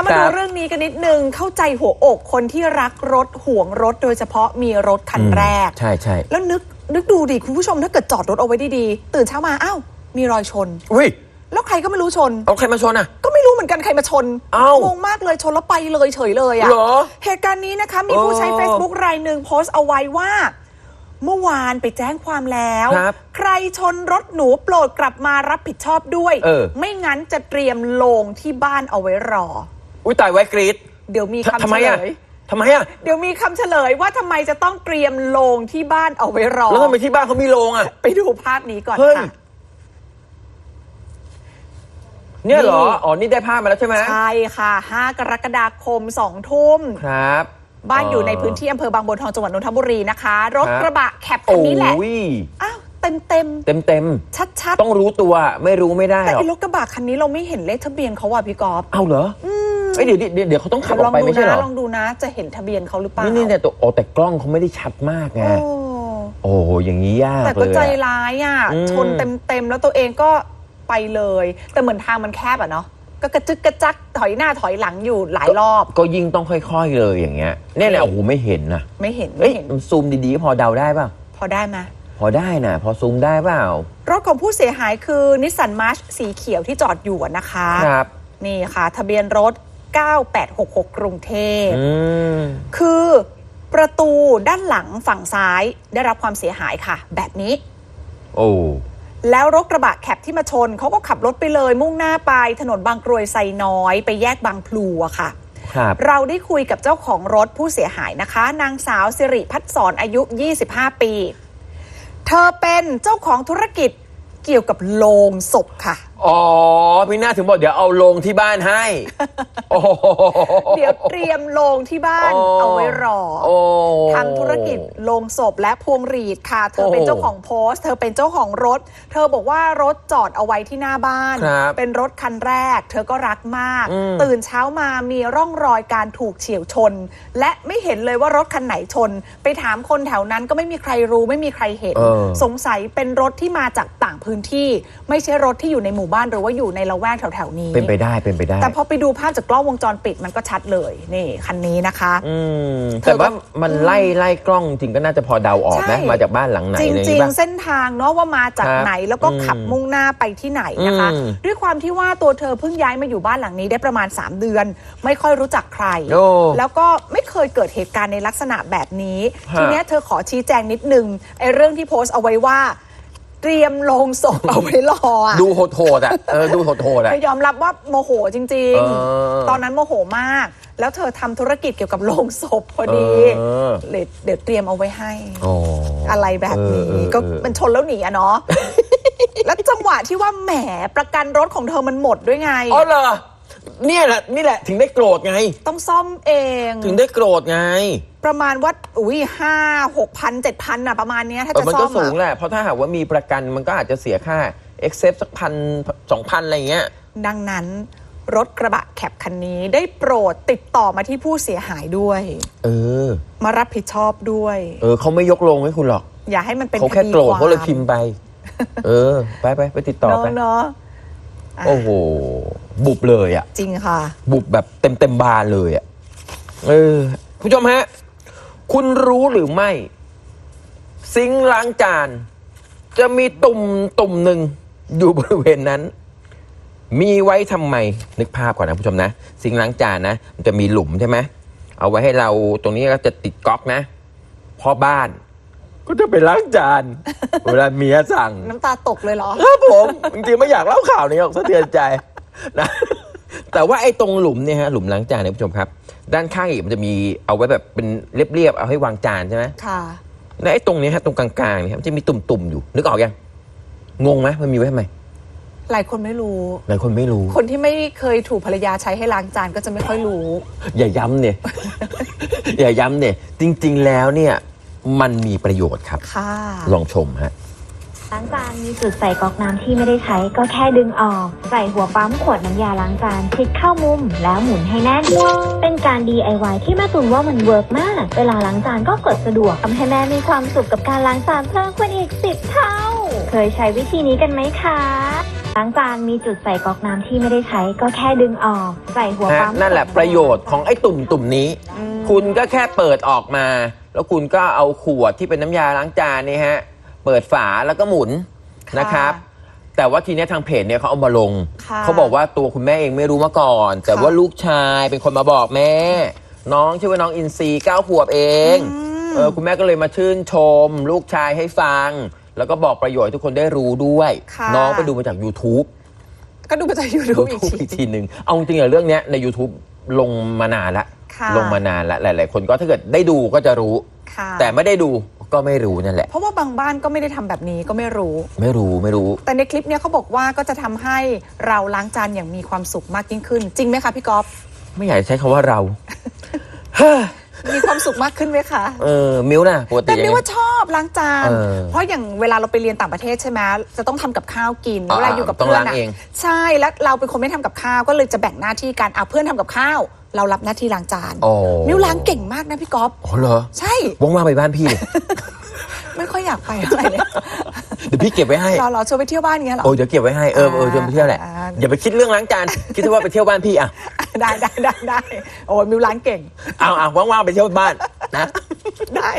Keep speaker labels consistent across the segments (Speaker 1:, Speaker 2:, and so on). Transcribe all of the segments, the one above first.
Speaker 1: มาดูเรื่องนี้กันนิดนึงเข้าใจหัวอกคนที่รักรถห่วงรถโดยเฉพาะมีรถคันแรก
Speaker 2: ใช่ใช่
Speaker 1: แล้วนึกดูดิคุณผู้ชมถ้าเกิดจอดรถเอาไว้ดีๆตื่นเช้ามาอ้าวมีรอยชน
Speaker 2: อุ้ย
Speaker 1: แล้วใครก็ไม่รู้ชน
Speaker 2: เอาใครมาชนอ่ะ
Speaker 1: ก็ไม่รู้เหมือนกันใครมาชนงงมากเลยชนแล้วไปเลยเฉยเลยอ่ะเหตุการณ์นี้นะคะมีผู้ใช้ Facebook รายหนึ่งโพสต์เอาไว้ว่าเมื่อวานไปแจ้งความแล้วใครชนรถหนูโปรดกลับมารับผิดชอบด้วยไม่งั้นจะเตรียมโลงที่บ้านเอาไว้รอ
Speaker 2: อุ้ยตายไว้กรีด
Speaker 1: เดี๋ยวมีคำเฉลย
Speaker 2: ทำไมอ่ะ
Speaker 1: เดี๋ยวมีคำเฉลยว่าทำไมจะต้องเตรียมโลงที่บ้านเอาไว้รอ
Speaker 2: แล้วทำไมที่บ้านเขามีโลงอ่ะ
Speaker 1: ไปดูภาพนี้ก่อนค่ะ
Speaker 2: เนี่ยเหรออ๋อนี่ได้ภาพมาแล้วใช่ไหม
Speaker 1: ใช่ค่ะ5 กรกฎาคม 2 ทุ่ม
Speaker 2: ครับ
Speaker 1: บ้านอยู่ในพื้นที่อำเภอบางบัวทองจังหวัดนนทบุรีนะคะรถกระบะแคปคันนี้แหละอ้าวเต็มชัด
Speaker 2: ต้องรู้ตัวไม่รู้ไม่ได้
Speaker 1: แต่รถกระบะคันนี้เราไม่เห็นเลขทะเบียนเขาว่ะพี่กอล์ฟ
Speaker 2: เอาเหรอเดี๋ยวเขาต้องขับออกไปไม่ใช่เหรอ
Speaker 1: ลองดูนะจะเห็นทะเบียนเขาหรือเปล่า
Speaker 2: นี่เนี่ยแต่กล้องเขาไม่ได้ชัดมากไงโอ้อย่างนี้ยากเลย
Speaker 1: แต่ก็ใจร้ายอ่ะชนเต็มแล้วตัวเองก็ไปเลยแต่เหมือนทางมันแคบอ่ะเนาะก็กระจึกกระจักถอยหน้าถอยหลังอยู่หลายรอบ
Speaker 2: ก็ยิ่งต้องค่อยๆเลยอย่างเงี้ยเนี่ยแหละโอ้โหไม่เห็นนะ
Speaker 1: ไม่เห็น
Speaker 2: ซูมดีๆพอเดาได้ป่ะ
Speaker 1: พอได้ไหม
Speaker 2: พอได้นะพอซูมได้เปล่าร
Speaker 1: ถของผู้เสียหายคือนิสสันมาร์ชสีเขียวที่จอดอยู่นะคะ
Speaker 2: ครับ
Speaker 1: นี่ค่ะทะเบียนรถ9866กรุงเทพคือประตูด้านหลังฝั่งซ้ายได้รับความเสียหายค่ะแบบนี้
Speaker 2: โอ้
Speaker 1: แล้วรถกระบะแคปที่มาชนเขาก็ขับรถไปเลยมุ่งหน้าไปถนนบางกรวยไซน้อยไปแยกบางพลูอะค่ะเราได้คุยกับเจ้าของรถผู้เสียหายนะคะนางสาวสิริพัฒน์สอนอายุ25 ปีเธอเป็นเจ้าของธุรกิจเกี่ยวกับโลงศพค่ะ
Speaker 2: อ๋อพี่น่าถึงบอกเดี๋ยวเอาโลงที่บ้านให้
Speaker 1: เดี๋ยวเตรียมโลงที่บ้านเอาไว้รอทำธุรกิจโลงศพและพวงหรีดค่ะเธอเป็นเจ้าของโพสต์เธอเป็นเจ้าของรถเธอบอกว่ารถจอดเอาไว้ที่หน้าบ้านเป็นรถคันแรกเธอก็รักมากตื่นเช้ามามีร่องรอยการถูกเฉี่ยวชนและไม่เห็นเลยว่ารถคันไหนชนไปถามคนแถวนั้นก็ไม่มีใครรู้ไม่มีใครเห็นสงสัยเป็นรถที่มาจากต่างพื้นที่ไม่ใช่รถที่อยู่ในหมู่บ้านหรือว่าอยู่ในละแวกแถวๆนี้
Speaker 2: เป็นไปได้
Speaker 1: แต่พอไปดูภาพจากกล้องวงจรปิดมันก็ชัดเลยนี่คันนี้นะคะ
Speaker 2: แต่ว่ามันไล่กล้องจริงก็น่าจะพอเดาออกนะมาจากบ้านหลังไหน
Speaker 1: จริงๆเส้นทางเนาะว่ามาจากไหนแล้วก็ขับมุ่งหน้าไปที่ไหนนะคะด้วยความที่ว่าตัวเธอเพิ่งย้ายมาอยู่บ้านหลังนี้ได้ประมาณ3 เดือนไม่ค่อยรู้จักใครแล้วก็ไม่เคยเกิดเหตุการณ์ในลักษณะแบบนี้ทีนี้เธอขอชี้แจงนิดนึงไอ้เรื่องที่โพสต์เอาไว้ว่าเตรียมโลงศพเอาไว้รอ
Speaker 2: ดูโหดอ่ะดูโหดอ่ะ
Speaker 1: ยอมรับว่าโมโหจริงๆตอนนั้นโมโหมากแล้วเธอทำธุรกิจเกี่ยวกับโลงศพพอดีเดี๋ยวเตรียมเอาไว้ให้อะไรแบบนี้ก็มันชนแล้วหนีอะเนาะแล้วจังหวะที่ว่าแหมประกันรถของเธอมันหมดด้วยไง
Speaker 2: อ๋อเหรอนี่แหละถึงได้โกรธไง
Speaker 1: ต้องซ่อมเอง
Speaker 2: ถึงได้โกรธไง
Speaker 1: ประมาณว่า5-6,000 7,000อะประมาณนี้ถ้าจะซ่อม
Speaker 2: มันก็สูงแหละเพราะถ้าหากว่ามีประกันมันก็อาจจะเสียค่า Excess สัก1,000-2,000อะไรเงี้ย
Speaker 1: ดังนั้นรถกระบะแคปคันนี้ได้โปรดติดต่อมาที่ผู้เสียหายด้วยมารับผิดชอบด้วย
Speaker 2: เขาไม่ยกลงให้คุณหรอก
Speaker 1: อย่าให้มันเป็น
Speaker 2: เขาแค่โกรธเขาเลยพิมพ์ไปไปติดต่อไป
Speaker 1: เนาะ
Speaker 2: โอ้โหบุบเลยอ่ะ
Speaker 1: จริงค่ะ
Speaker 2: บุบแบบเต็มบานเลยอ่ะผู้ชมฮะคุณรู้หรือไม่ซิงค์ล้างจานจะมีตุ่มหนึ่งอยู่บริเวณนั้นมีไว้ทำไมนึกภาพก่อนนะผู้ชมนะซิงค์ล้างจานนะมันจะมีหลุมใช่ไหมเอาไว้ให้เราตรงนี้ก็จะติดก๊อกนะพ่อบ้านก็จะไปล้างจานเวลาเมียสั่ง
Speaker 1: น้ำตาตกเลยเหรอ
Speaker 2: ครับผมจริงๆไม่อยากเล่าข่าวนี้หรอกสะเทือนใจนะแต่ว่าไอ้ตรงหลุมเนี่ยฮะหลุมล้างจานเนี่ยผู้ชมครับด้านข้างอีกมันจะมีเอาไว้แบบเป็นเรียบๆเอาให้วางจานใช่ไหม
Speaker 1: ค่ะ
Speaker 2: และไอ้ตรงนี้ฮะตรงกลางๆเนี่ยมันจะมีตุ่มๆอยู่นึกออกยังงงไหมมันมีไว้ทำไม
Speaker 1: หลายคนไม่รู้
Speaker 2: คน
Speaker 1: ที่ไม่เคยถูกภรรยาใช้ให้ล้างจานก็จะไม่ค่อยรู้
Speaker 2: อย่าย้ำเนี่ย อย่าย้ำเนี่ยจริงๆแล้วเนี่ยมันมีประโยชน์ครับลองชมฮะ
Speaker 3: ล้างจานมีจุดใส่ก๊อกน้ำที่ไม่ได้ใช้ก็แค่ดึงออกใส่หัวปั๊มขวดน้ำยาล้างจานพลิกเข้ามุมแล้วหมุนให้แน่นเป็นการ DIY ที่แม่ตุนว่ามันเวิร์กมากเวลาล้างจานก็กดสะดวกทำให้แม่มีความสุขกับการล้างจานเพิ่มขึ้นอีก10 เท่าเคยใช้วิธีนี้กันไหมคะล้างจานมีจุดใส่ก๊อกน้ำที่ไม่ได้ใช้ก็แค่ดึงออกใส่หัวปั๊ม
Speaker 2: นั่นแหละประโยชน์ของไอ้ตุ่มนี้ คุณก็แค่เปิดออกมา แล้วคุณก็เอาขวดที่เป็นน้ำยาล้างจานนี่ฮะเปิดฝาแล้วก็หมุนนะครับแต่ว่าทีนี้ทางเพจเนี่ยเขาเอามาลงเขาบอกว่าตัวคุณแม่เองไม่รู้มาก่อนแต่ว่าลูกชายเป็นคนมาบอกแม่น้องชื่อว่าน้องอินซี9 ขวบเองคุณแม่ก็เลยมาชื่นชมลูกชายให้ฟังแล้วก็บอกประโยชน์ให้ทุกคนได้รู้ด้วยน้องไปดูมาจาก YouTube
Speaker 1: ก็ดูมาจาก YouTube
Speaker 2: อีกทีหนึ่งเอาจริงๆเรื่องนี้ใน YouTube ลงมานานละลงมานานละหลายๆคนก็ถ้าเกิดได้ดูก็จะรู้แต่ไม่ได้ดูก็ไม่รู้นั่นแหละ
Speaker 1: เพราะว่าบางบ้านก็ไม่ได้ทำแบบนี้ก็ไม่รู้แต่ในคลิปเนี้ยเขาบอกว่าก็จะทำให้เราล้างจานอย่างมีความสุขมากยิ่งขึ้นจริงไหมคะพี่ก๊อฟ
Speaker 2: ไม่อยากใช้คำว่าเรา
Speaker 1: มีความสุขมากขึ้นไหมคะ
Speaker 2: มิ้วนะปกติ
Speaker 1: แต่มิ้วว่าชอบล้างจานเพราะอย่างเวลาเราไปเรียนต่างประเทศใช่ไหมจะต้องทำกับข้าวกินเวลาอยู่กับเพื่อนนะใช่แล้วเราเป็นคนไม่ทำกับข้าวก็เลยจะแบ่งหน้าที่กันเพื่อนทำกับข้าวเรารับหน้าที่ล้างจานมิ้วล้างเก่งมากนะพี่ก๊อฟ
Speaker 2: อ๋อเหรอ
Speaker 1: ใช่
Speaker 2: ว่างๆไปบ้านพี่
Speaker 1: ไม่ค่อยอยากไปอะไรเลย
Speaker 2: เดี๋ยวพี่เก็บไว้ให้
Speaker 1: เราชวนไปเที่ยวบ้านเงี้ยหรอ
Speaker 2: เดี๋ยวเก็บไว้ให้ชวนไปเที่ยวแหละอย่าไปคิดเรื่องล้างจานคิดว่าไปเที่ยวบ้านพี่อะ
Speaker 1: ได้โอ้ยมิวล้างเก่ง
Speaker 2: เอาว่างๆไปเที่ยวบ้านนะ
Speaker 1: ได้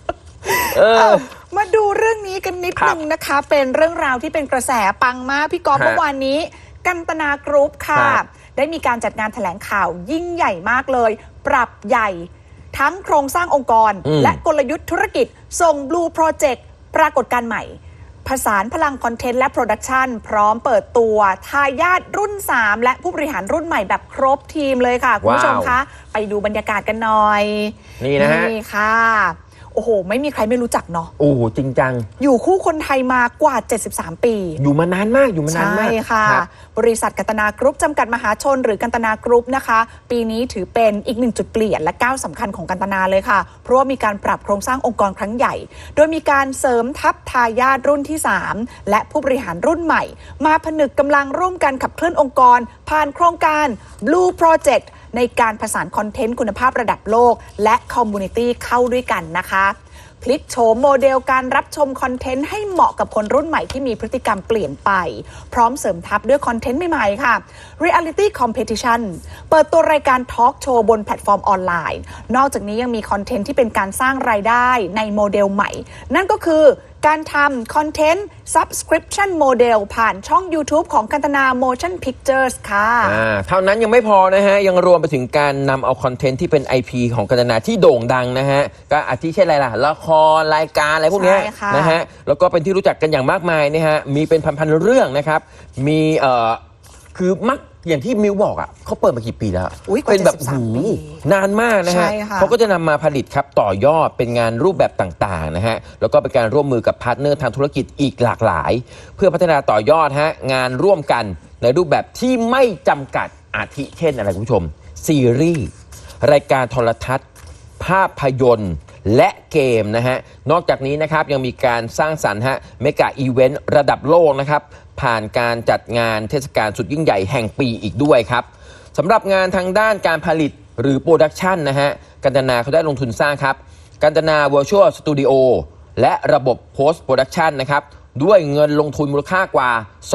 Speaker 1: มาดูเรื่องนี้กันนิดนึงนะคะเป็นเรื่องราวที่เป็นกระแสปังมากพี่ก๊อฟเมื่อวานนี้กันตนากรุ๊ปค่ะได้มีการจัดงานแถลงข่าวยิ่งใหญ่มากเลยปรับใหญ่ทั้งโครงสร้างองค์กรและกลยุทธ์ธุรกิจส่ง Blue Project ปรากฏการณ์ใหม่ผสานพลังคอนเทนต์และโปรดักชันพร้อมเปิดตัวทายาทรุ่น3และผู้บริหารรุ่นใหม่แบบครบทีมเลยค่ะคุณผู้ชมคะไปดูบรรยากาศกันหน่อย
Speaker 2: นี่นะฮะ
Speaker 1: นี่ค่ะโอ้โหไม่มีใครไม่รู้จักเนาะ
Speaker 2: โอ้จริงจัง
Speaker 1: อยู่คู่คนไทยมากว่า73ปี
Speaker 2: อยู่มานานมากใช่
Speaker 1: ค่ะบริษัทกันตนากรุ๊ปจำกัดมหาชนหรือกันตนากรุ๊ปนะคะปีนี้ถือเป็นอีก1จุดเปลี่ยนและก้าวสำคัญของกันตนาเลยค่ะเพราะว่ามีการปรับโครงสร้างองค์กรครั้งใหญ่โดยมีการเสริมทัพทายาทรุ่นที่3และผู้บริหารรุ่นใหม่มาผนึกกำลังร่วมกันขับเคลื่อนองค์กรผ่านโครงการ Blue Project ในการผสานคอนเทนต์คุณภาพระดับโลกและคอมมูนิตี้เข้าด้วยกันนะคะพลิกโฉมโมเดลการรับชมคอนเทนต์ให้เหมาะกับคนรุ่นใหม่ที่มีพฤติกรรมเปลี่ยนไปพร้อมเสริมทัพด้วยคอนเทนต์ใหม่ๆค่ะ Reality Competition เปิดตัวรายการทอล์กโชว์บนแพลตฟอร์มออนไลน์นอกจากนี้ยังมีคอนเทนต์ที่เป็นการสร้างรายได้ในโมเดลใหม่นั่นก็คือการทำคอนเทนต์ Subscription Model ผ่านช่อง YouTube ของกันตนา Motion Pictures ค่ะ
Speaker 2: เท่านั้นยังไม่พอนะฮะยังรวมไปถึงการนำเอาคอนเทนต์ที่เป็น IP ของกันตนาที่โด่งดังนะฮะก็อาทิเช่นอะไรล่ะละครรายการอะไรพวกนี้นะฮะแล้วก็เป็นที่รู้จักกันอย่างมากมายนะฮะมีเป็นพันๆเรื่องนะครับมีคือมักอย่างที่มิวบอกอ่ะเขาเปิดมากี่ปีแล้วเป็นแบบนานมากนะฮะเขาก็จะนำมาผลิตครับต่อยอดเป็นงานรูปแบบต่างๆนะฮะแล้วก็เป็นการร่วมมือกับพาร์ทเนอร์ทางธุรกิจอีกหลากหลายเพื่อพัฒนาต่อยอดฮะงานร่วมกันในรูปแบบที่ไม่จำกัดอาทิเช่นอะไรคุณผู้ชมซีรีส์รายการโทรทัศน์ภาพยนตร์และเกมนะฮะนอกจากนี้นะครับยังมีการสร้างสรรค์ฮะเมกะอีเวนต์ระดับโลกนะครับผ่านการจัดงานเทศกาลสุดยิ่งใหญ่แห่งปีอีกด้วยครับสำหรับงานทางด้านการผลิตหรือโปรดักชันนะฮะกันตนาเขาได้ลงทุนสร้างครับกันตนา Virtual Studio และระบบ Post Production นะครับด้วยเงินลงทุนมูลค่ากว่า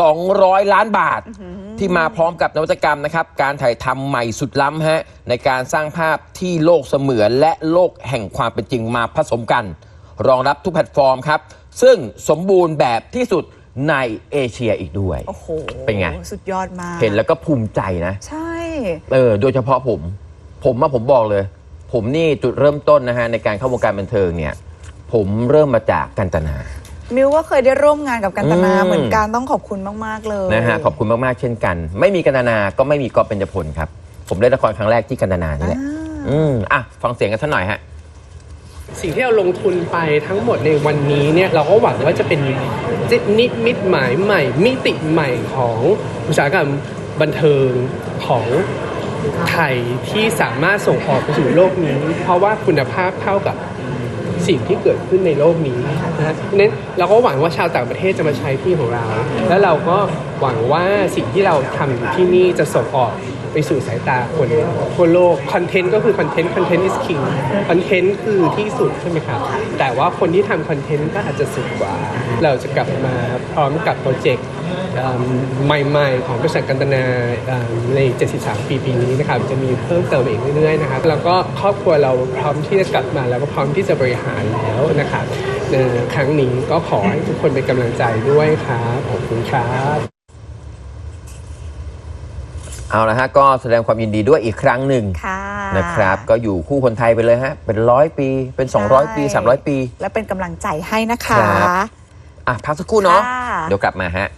Speaker 2: 200 ล้านบาทที่มาพร้อมกับนวัตกรรมนะครับการถ่ายทำใหม่สุดล้ำฮะในการสร้างภาพที่โลกเสมือนและโลกแห่งความเป็นจริงมาผสมกันรองรับทุกแพลตฟอร์มครับซึ่งสมบูรณ์แบบที่สุดในเอเชียอีกด้วย
Speaker 1: โอ้โห
Speaker 2: เป็นไง
Speaker 1: สุดยอดมาก
Speaker 2: เห็นแล้วก็ภูมิใจนะ
Speaker 1: ใช่
Speaker 2: โดยเฉพาะผมบอกเลยผมนี่จุดเริ่มต้นนะฮะในการเข้าวงการบันเทิงเนี่ยผมเริ่มมาจากกันตนา
Speaker 1: มิวก็เคยได้ร่วมงานกับกันตนาเหมือนกันต้องขอบคุณมากๆเลย
Speaker 2: นะฮะขอบคุณมากๆเช่นกันไม่มีกันตนาก็ไม่มีก๊อฟเบญจพลครับผมเล่นละครครั้งแรกที่กันตนานี่แหละฟังเสียงกันสักหน่อยฮะ
Speaker 4: สิ่งที่เราลงทุนไปทั้งหมดในวันนี้เนี่ยเราก็หวังว่าจะเป็นนิมิตหมายใหม่มิติใหม่ของอุตสาหกรรมบันเทิงของไทยที่สามารถส่งออกไปสู่โลกนี้เพราะว่าคุณภาพเท่ากับสิ่งที่เกิดขึ้นในโลกนี้นะนั้นเราก็หวังว่าชาวต่างประเทศจะมาใช้ที่ของเราแล้วเราก็หวังว่าสิ่งที่เราทำอยู่ที่นี่จะส่งออกไปไปสู่สายตาคนทั่วโลกคอนเทนต์ก็คือคอนเทนต์ is king คอนเทนต์คือที่สุดใช่ไหมครับแต่ว่าคนที่ทำคอนเทนต์ก็อาจจะสุดกว่าเราจะกลับมาพร้อมกับโปรเจกต์ใหม่ๆของบริษัทกันตนาใน 73 ปีนี้นะครับจะมีเพิ่มเติมอีกเรื่อยๆนะครับแล้วก็ครอบครัวเราพร้อมที่จะกลับมาแล้วก็พร้อมที่จะบริหารแล้วนะครับครั้งนี้ก็ขอให้ทุกคนเป็นกำลังใจด้วยครับขอบคุณครับ
Speaker 2: เอาละฮะก็แสดงความยินดีด้วยอีกครั้งหนึ่ง
Speaker 1: ค่ะ
Speaker 2: นะครับก็อยู่คู่คนไทยไปเลยฮะเป็น100 ปีเป็น200 ปี300 ปี
Speaker 1: และเป็นกำลังใจให้นะคะ
Speaker 2: ครับ พักสักครู่เนาะ
Speaker 1: ค่ะ
Speaker 2: เดี๋ยวกลับมาฮะ